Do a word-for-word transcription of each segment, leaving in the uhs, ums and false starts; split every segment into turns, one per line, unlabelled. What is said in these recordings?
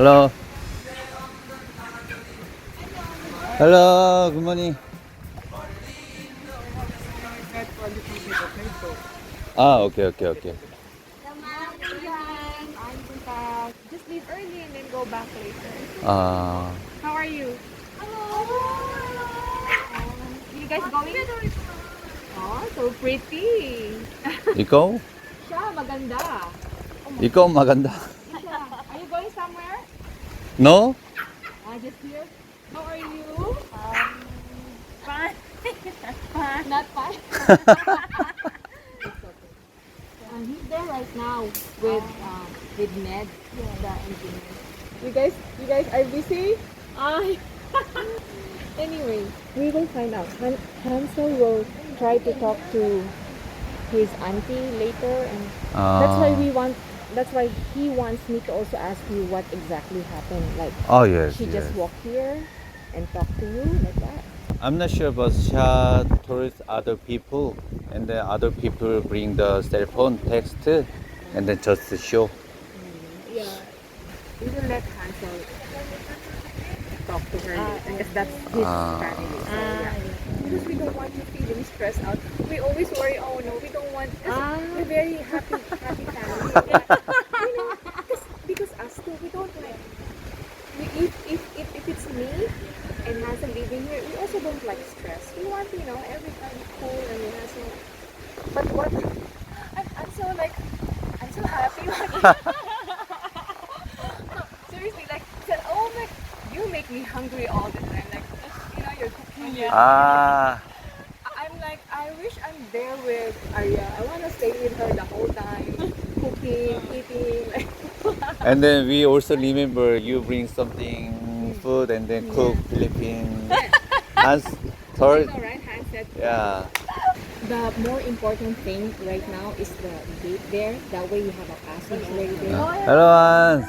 Hello. Hello. Good morning. Ah, okay, okay, okay.
I'm Punta. Just leave early and then go back later.
Ah,
How are you? You guys going? Oh, so pretty.
ikaw?
Siya, maganda.
ikaw maganda.
Siya. Are you going somewhere?
No?
Ah, just here. How are you?
Um, fine. Fine.
Not fine. It's okay. Um, he's there right now with um, with Ned, the engineer. You guys, you guys are busy.
Ay.
Anyway, we will find out. Han- Hansel will try to talk to his auntie later, and that's why
Ah.
we want. That's why he wants me to also ask you what exactly happened. Like
Oh, yes,
she
yes.
just walked here and talked to you like that.
I'm not sure, but Sha told other people, and then other people bring the cell phone, text, and then just show.
Yeah, we will let Hansel talk to her later because that's his
Ah.
family. So,
Ah,
yeah. Because we don't want you feeling stressed out. We always worry, oh no, we don't want, because
Ah.
we're very happy, happy family. you know, because, because us too, we don't like, we, if, if, if, if it's me and Hansel living here, we also don't like stress. We want, you know, everybody cool and we have so, but what, I'm, I'm so like, I'm so happy. No, seriously, like, said, oh my, you make me hungry all the time. Like, you know, you're cooking. You're
Ah.
I'm like, I wish I'm there with Arya. I want to stay with her the whole time, cooking, eating. Like,
And then we also remember you bring something food and then cook Philippine. Hans
I
told,
know, right? Hand said.
yeah.
The more important thing right now is the gate there. That way you have a passageway there.
Hello, Hans.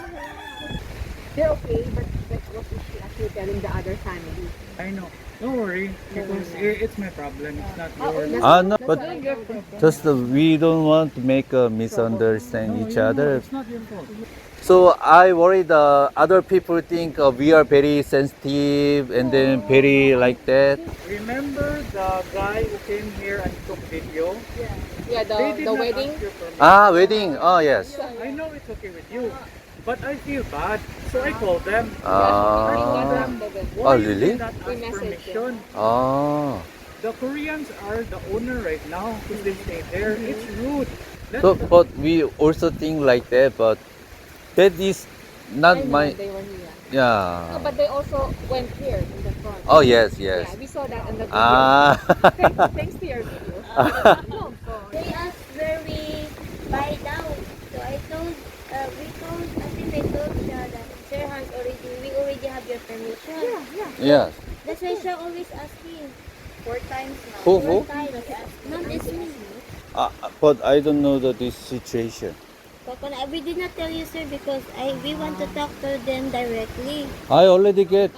They're okay, but like, what is she actually telling the other family?
I know. Don't worry, because i- it's my problem. It's not
Oh,
yours.
that's
Ah,
what-
no,
that's
but
what I told her.
just uh, we don't want to make a misunderstand
No,
each
you know,
other.
it's not your fault.
So I worry the other people think uh, we are very sensitive and then very like that.
Remember the guy who came here and took video?
Yeah,
They
the,
did
the
not
wedding.
ask your permission.
Ah, wedding. Oh, yes.
I know it's okay with you, but I feel bad, so I called them. I
Ah.
told them,
Oh,
why you
really?
did not
We
ask
messaged
permission?
Ah.
The Koreans are the owner right now because they stay there. It's rude. Let
So,
the-
but we also think like that, but that is
I
not
know
my,
they were here. No,
yeah.
but they also went here in the front.
Oh, yes, yes.
Yeah, we saw that in the video.
Ah.
Thanks, thanks to your video. No,
They asked where we buy now. So I told, uh, we told, I think I told siya that Sir Hans already, we already have your permission.
yeah, yeah.
Yes.
That's why siya always asking.
Four times now.
Who,
Four
who?
times. Not this me.
Ah, but I don't know the, this situation.
Coconut, we did not tell you, sir, because I we want to talk to them directly.
I already get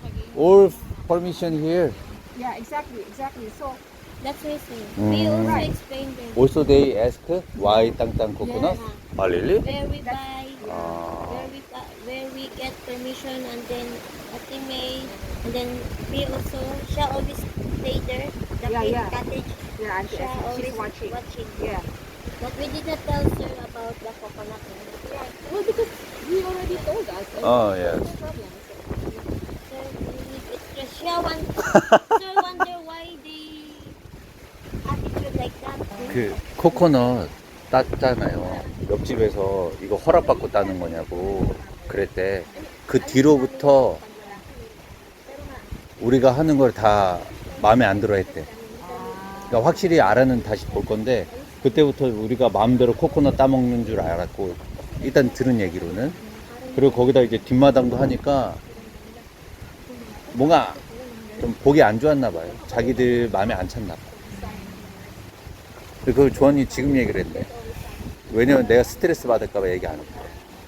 all permission here.
Yeah, exactly, exactly. So,
That's why, sir. We
Mm.
also
Right.
explained them.
Also, they ask why Tang Tang coconut.
Yeah.
Ah, really?
Where we buy,
Ah.
where we bu- where we get permission, and then Ate May, and then we also, siya always stay there, the
Yeah,
big
yeah.
cottage.
yeah, Auntie
Siya
Esme,
always
she's watching.
watching.
Yeah.
But we did not tell sir about the coconut.
Yeah. Well, because he already told us. and
Oh, yes.
No problem.
Sir, please, it's just siya want, sir wonder why they attitude like that.
그 코코넛 땄잖아요. 옆집에서 이거 허락받고 따는 거냐고 그랬대. 그 뒤로부터 우리가 하는 걸 다 마음에 안 들어 했대. 그러니까 확실히 알아는 다시 볼 건데 그때부터 우리가 마음대로 코코넛 따먹는 줄 알았고 일단 들은 얘기로는 그리고 거기다 이제 뒷마당도 하니까 뭔가 좀 보기 안 좋았나 봐요. 자기들 마음에 안 찼나 봐. 그걸 조언이 지금 얘기를 했네. 왜냐면 내가 스트레스 받을까봐 얘기 안 했대.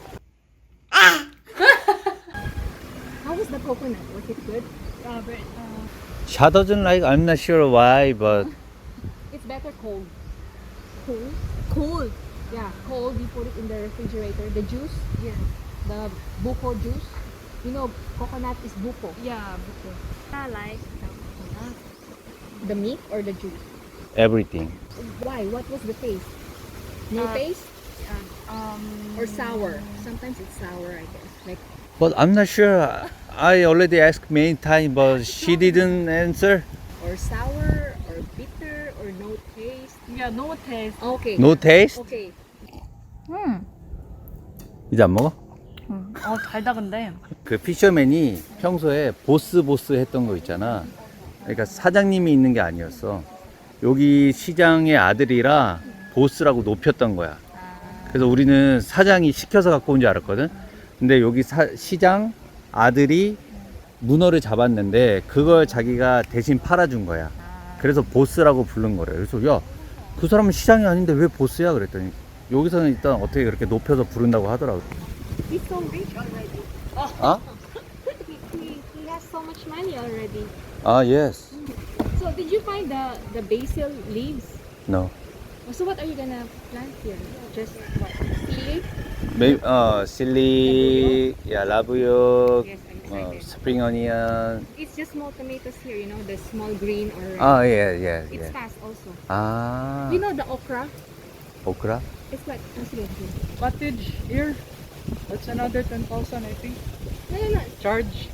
How was the coconut? Was it good?
Uh, but, uh,
She doesn't like. I'm not sure why, but
It's better cold. Cool?
cool.
Yeah, cold. You put it in the refrigerator. The juice?
Yeah.
the buko juice. You know, coconut is buko.
Yeah, buko.
I like the coconut.
The meat or the juice?
Everything.
Why? What was the taste? No
Uh,
taste
Um,
or sour? Sometimes it's sour, I guess. Like
But I'm not sure. I already asked many times, but she didn't answer.
or sour or bitter or no taste.
yeah, no taste.
Okay.
No taste?
Okay.
음.
이제 안 먹어?
음. 어, 달다 근데.
그 피셔맨이 평소에 보스 보스 했던 거 있잖아. 그러니까 사장님이 있는 게 아니었어. 여기 시장의 아들이라 보스라고 높였던 거야. 그래서 우리는 사장이 시켜서 갖고 온 줄 알았거든. 근데 여기 사, 시장 아들이 문어를 잡았는데 그걸 자기가 대신 팔아준 거야. 그래서 보스라고 부른 거래. 그래서 야, 그 사람은 시장이 아닌데 왜 보스야? 그랬더니 여기서는 일단 어떻게 그렇게 높여서 부른다고 하더라고.
He's so rich already.
아?
He, he, he has so much money already.
아, yes.
So did you find the the basil leaves?
No.
So what are you gonna plant here? Just what? Chili?
Maybe, uh, chili, yeah, 라브육,
Yes, I'm
uh,
excited.
spring onion.
It's just small tomatoes here, you know, the small green or red.
아, yeah, yeah,
It's
yeah.
fast also.
아,
You know the okra?
오크라?
It's like, oh, sige, sige.
Cottage here. That's another ten thousand, I think.
No, no, no.
Charge.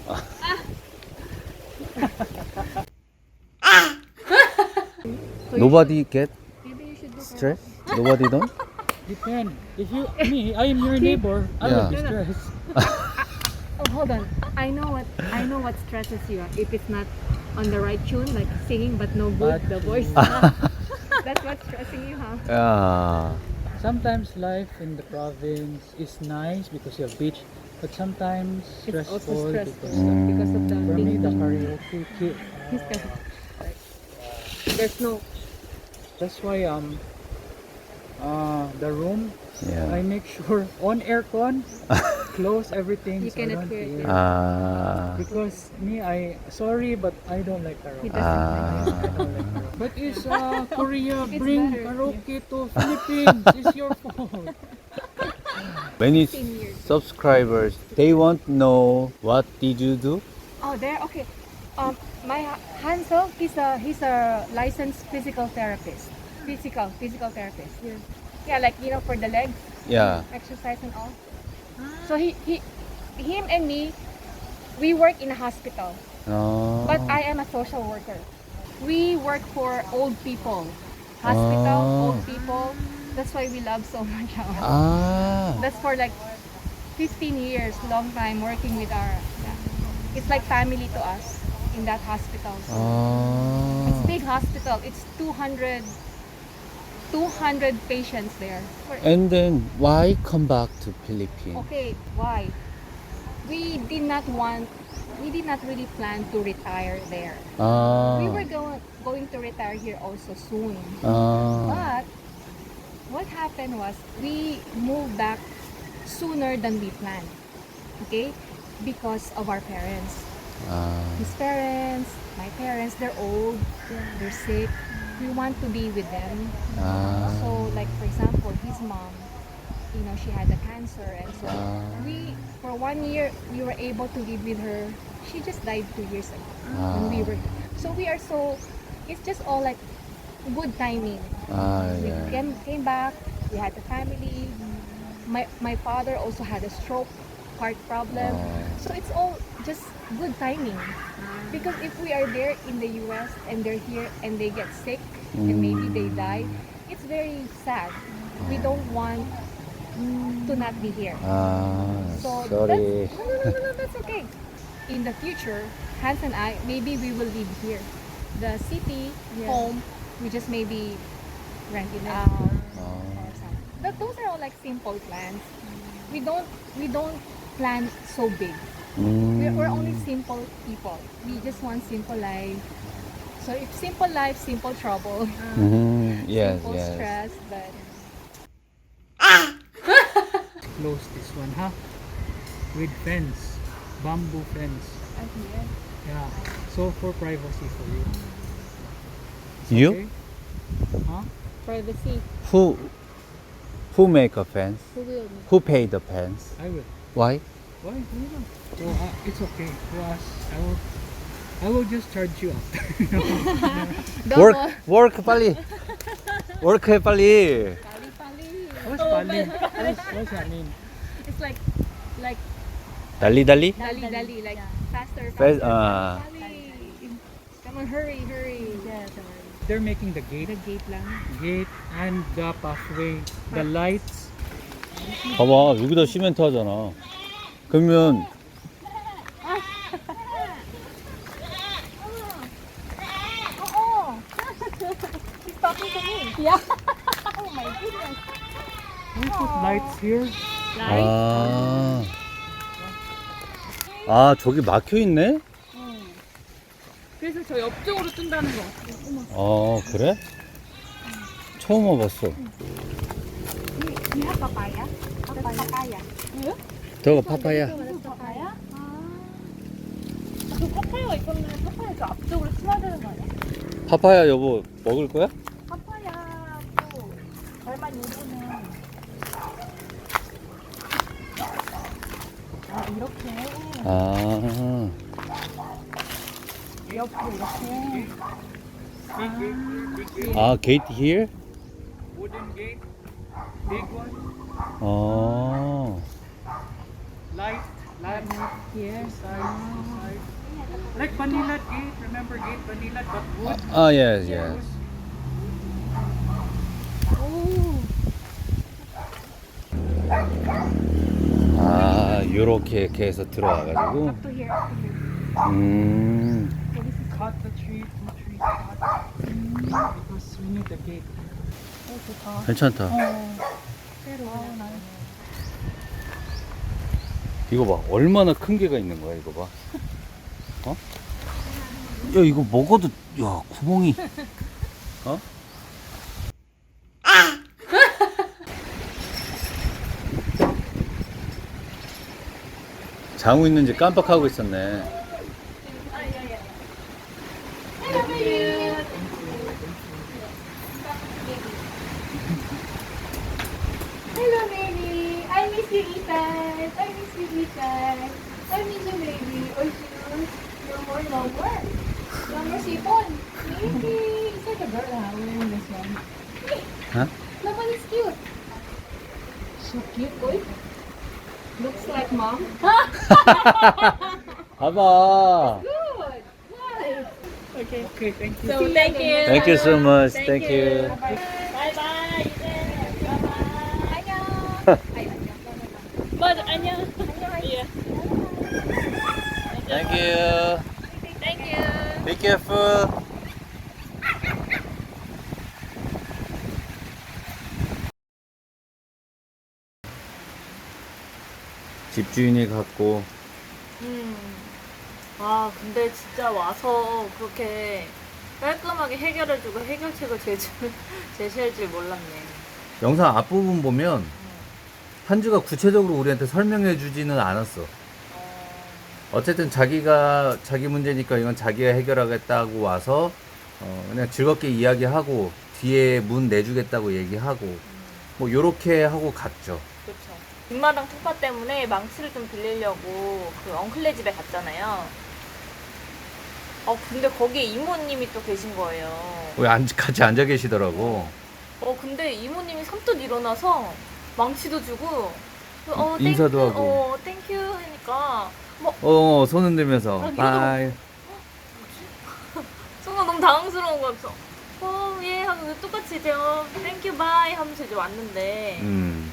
So you
Nobody get
should- maybe you should do
stress? Nobody don't?
Depend. If you, me, I am your neighbor, I
Yeah.
will be stressed.
Oh, hold on. I know what I know what stresses you. ah. If it's not on the right tune, like singing but no good,
Bad
the voice.
tune.
That's what's stressing you, huh?
야,
Sometimes life in the province is nice because you have beach, but sometimes
It's also
stressful,
stressful
because
because of the
for me the
thing.
karaoke ki-
He's got- There's no.
that's why um uh the room
yeah.
I make sure on aircon, close everything
You
so I
cannot
don't
hear it.
hear.
아,
Because me, I sorry, but I don't like
He
karaoke.
doesn't
아,
I don't like karaoke. But it's uh, Korea,
It's
bring
better.
karaoke to Philippines. It's your fault.
many
fifteen years.
subscribers, they want to know what did you do?
Oh, there. Okay. Um, my Ha- Hansel, he's a he's a licensed physical therapist. Physical physical therapist. Yeah. Yeah, like you know, for the legs,
Yeah.
exercise and all. So he he, him and me, we work in a hospital.
어,
But I am a social worker. We work for old people. Hospital,
Oh.
old people. That's why we love so much. our-
아,
That's for like fifteen years, long time working with our. Yeah. It's like family to us in that hospital. So it's
아.
big hospital. It's two hundred, two hundred patients there. For-
And then why come back to Philippines?
Okay, why? We did not want. We did not really plan to retire there.
아,
We were going going to retire here also soon.
아,
But what happened was we moved back sooner than we planned. Okay? Because of our parents.
아,
His parents, my parents, they're old, they're sick. We want to be with them.
아,
So like for example, his mom, you know, she had a cancer and so
Ah.
we for one year we were able to live with her. She just died two years ago when we
아,
were so we are so it's just all like good timing.
아,
We
예.
came, came back, we had a family. My my father also had a stroke, heart problem.
Oh.
So it's all just good timing. Because if we are there in the U S and they're here and they get sick and maybe they die, it's very sad. We don't want to not be here.
아,
So
sorry.
that's, no, no, no, no, no, that's okay. In the future, Hans and I, maybe we will live here. The city, home, we just maybe rent it out
아,
or something. But those are all like simple plans. We don't, we don't plan so big. We're, we're only
음,
simple people. We just want simple life. So if simple life, simple trouble,
음, yes,
simple
yes.
stress, but
Close this one, huh? With fence, bamboo fence. Yeah. So for privacy for you. It's
You?
okay? Huh?
privacy.
Who, who make a fence?
Who will?
Who pay the fence?
I will.
Why?
Why? Why not? So uh, it's okay for us. I will, I will just charge you after.
Work, work 빨리. Work 해 빨리.
What's Pali? What's, what's that mean?
It's like, like
달리 달리?
dali dali, like faster,
Fast,
faster.
아.
Dali. Come on, hurry, hurry. Yes,
They're making the gate,
the gate lang.
gate and the pathway, the lights.
봐봐 여기다 시멘트 하잖아. 그러면
Oh, she's talking to me. Yeah. Oh my goodness.
We put lights here.
아. 아 저기 막혀 있네?
그래서 저 옆쪽으로 뜬다는 거.
아 그래? 처음 와봤어.
You have papaya? Papaya. Papaya.
저거 파파야.
papaya? 저 파파야가 있었는데 파파야 저 앞쪽으로 치워야 되는 거 아니야?
파파야 여보 먹을 거야?
파파야도 얼마 요즘은 아 이렇게
아.
옆으로 이렇게
Big gate here, big gate.
아 게이트 here?
Wooden gate, big one.
아.
Light, light.
here.
Side, side. Like Manila gate, remember gate Manila, but wood.
아 yes yes.
오
아 요렇게 이렇게 해서 들어와가지고.
up to here, up to here.
음.
Cut the tree, two trees cut. Because we need the gate.
오 좋다.
괜찮다.
새로 나
이거 봐 얼마나 큰 개가 있는 거야 이거 봐. 어? 야 이거 먹어도 야 구멍이. 어? 장우 있는지 깜빡하고 있었네.
Hello, baby. I miss you, Ethan. I miss you, Ethan. I miss you, baby. Oh, shoes. No more, no more. No more sipon. Baby. It's like a girl, huh? Wearing this one.
Huh?
Naman is cute. So cute, boy. Looks like mom.
봐봐.
Good. Nice. Okay.
Okay, thank you.
So, thank you.
Thank you so much. Thank you.
Bye-bye. 안녕. 아이, 안녕.
맞아, 안녕.
안녕.
Thank you.
Thank you.
Be careful. 집주인이 갖고
음. 아, 근데 진짜 와서 그렇게 깔끔하게 해결해주고 해결책을 제출, 제시할 줄 몰랐네.
영상 앞부분 보면 한주가 구체적으로 우리한테 설명해 주지는 않았어. 어쨌든 자기가 자기 문제니까 이건 자기가 해결하겠다고 와서 어 그냥 즐겁게 이야기하고 뒤에 문 내주겠다고 얘기하고 뭐 요렇게 하고 갔죠.
그렇죠. 뒷마당 통파 때문에 망치를 좀 빌리려고 그 엉클네 집에 갔잖아요. 어, 근데 거기에 이모님이 또 계신 거예요.
왜 안, 같이 앉아 계시더라고.
어, 근데 이모님이 선뜻 일어나서 망치도 주고 어,
인사도
땡큐,
하고.
어, 땡큐 하니까 뭐
어, 손 흔들면서
아, 이러더라고.
바이.
순간 너무 당황스러운 거같어 어, 예 하면서 똑같이 이제 어, 땡큐 바이 하면서 이제 왔는데
음.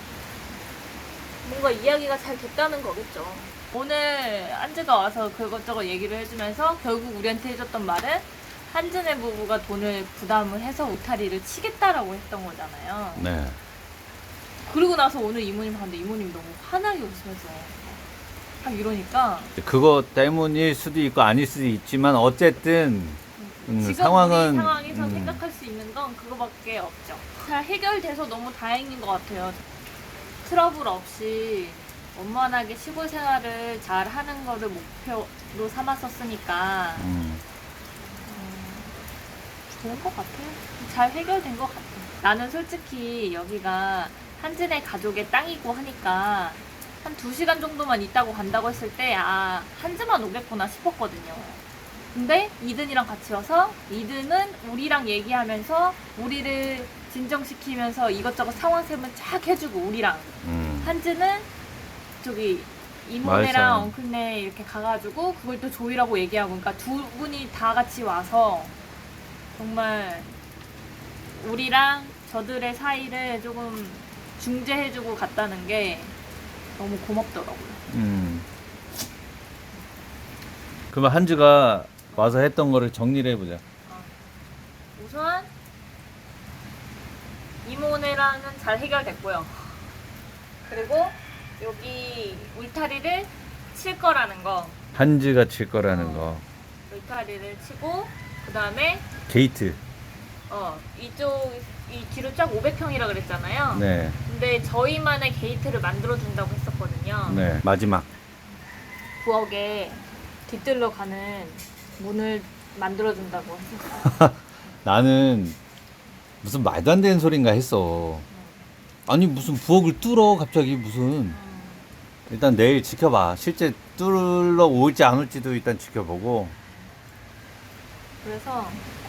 뭔가 이야기가 잘 됐다는 거겠죠. 오늘 한즈가 와서 그것저것 얘기를 해주면서 결국 우리한테 해줬던 말은 한즈네 부부가 돈을 부담을 해서 울타리를 치겠다라고 했던 거잖아요.
네.
그리고 나서 오늘 이모님 봤는데 이모님이 너무 환하게 웃으면서 막 이러니까
그거 때문일 수도 있고 아닐 수도 있지만 어쨌든 음,
지금
상황은
우리 상황에서
음,
생각할 수 있는 건 그거밖에 없죠. 잘 해결돼서 너무 다행인 것 같아요. 트러블 없이 원만하게 시골 생활을 잘 하는 거를 목표로 삼았었으니까
음.
좋은 것 같아요. 잘 해결된 것 같아요. 나는 솔직히 여기가 한진의 가족의 땅이고 하니까 한 두 시간 정도만 있다고 간다고 했을 때, 아, 한즈만 오겠구나 싶었거든요. 근데 이든이랑 같이 와서 이든은 우리랑 얘기하면서 우리를 진정시키면서 이것저것 상황 세면 쫙 해주고 우리랑
음.
한즈는 저기 이모네랑
마을사람.
엉클네 이렇게 가가지고 그걸 또 조이라고 얘기하고, 그러니까 두 분이 다 같이 와서 정말 우리랑 저들의 사이를 조금 중재해주고 갔다는 게 너무 고맙더라고요.
음. 그러면 한즈가 와서 했던 거를 정리를 해보자.
우선 이모네랑은 잘 해결됐고요. 그리고 여기 울타리를 칠 거라는 거,
한즈가 칠 거라는 거.
울타리를 치고 그 다음에
게이트.
어 이쪽 이 뒤로 쫙 오백 평이라 그랬잖아요.
네.
근데 저희만의 게이트를 만들어 준다고 했었거든요.
네. 마지막.
부엌에 뒤뜰로 가는 문을 만들어 준다고 했었어요.
나는 무슨 말도 안 되는 소린가 했어. 아니 무슨 부엌을 뚫어 갑자기 무슨. 일단 내일 지켜봐. 실제 뚫러 올지 안 올지도 일단 지켜보고.
그래서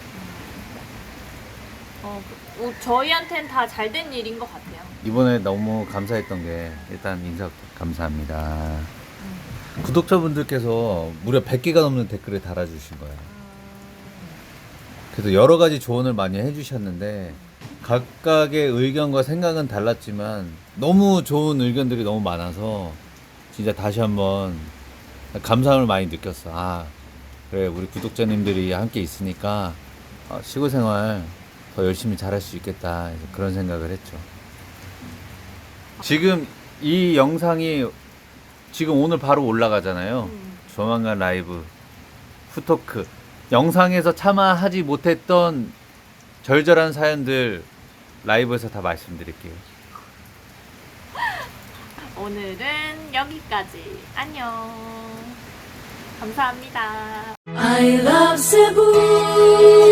어, 그, 어, 저희한테는 다 잘 된 일인 것 같아요.
이번에 너무 감사했던 게 일단 인사 감사합니다. 구독자분들께서 무려 백 개가 넘는 댓글을 달아주신 거예요. 그래서 여러 가지 조언을 많이 해주셨는데 각각의 의견과 생각은 달랐지만 너무 좋은 의견들이 너무 많아서 진짜 다시 한번 감사함을 많이 느꼈어. 아 그래 우리 구독자님들이 함께 있으니까 어, 시골 생활 더 열심히 잘할 수 있겠다 그런 생각을 했죠. 지금 이 영상이 지금 오늘 바로 올라가잖아요.
음.
조만간 라이브 후토크 영상에서 차마 하지 못했던 절절한 사연들 라이브에서 다 말씀드릴게요.
오늘은 여기까지. 안녕. 감사합니다.
I love Cebu.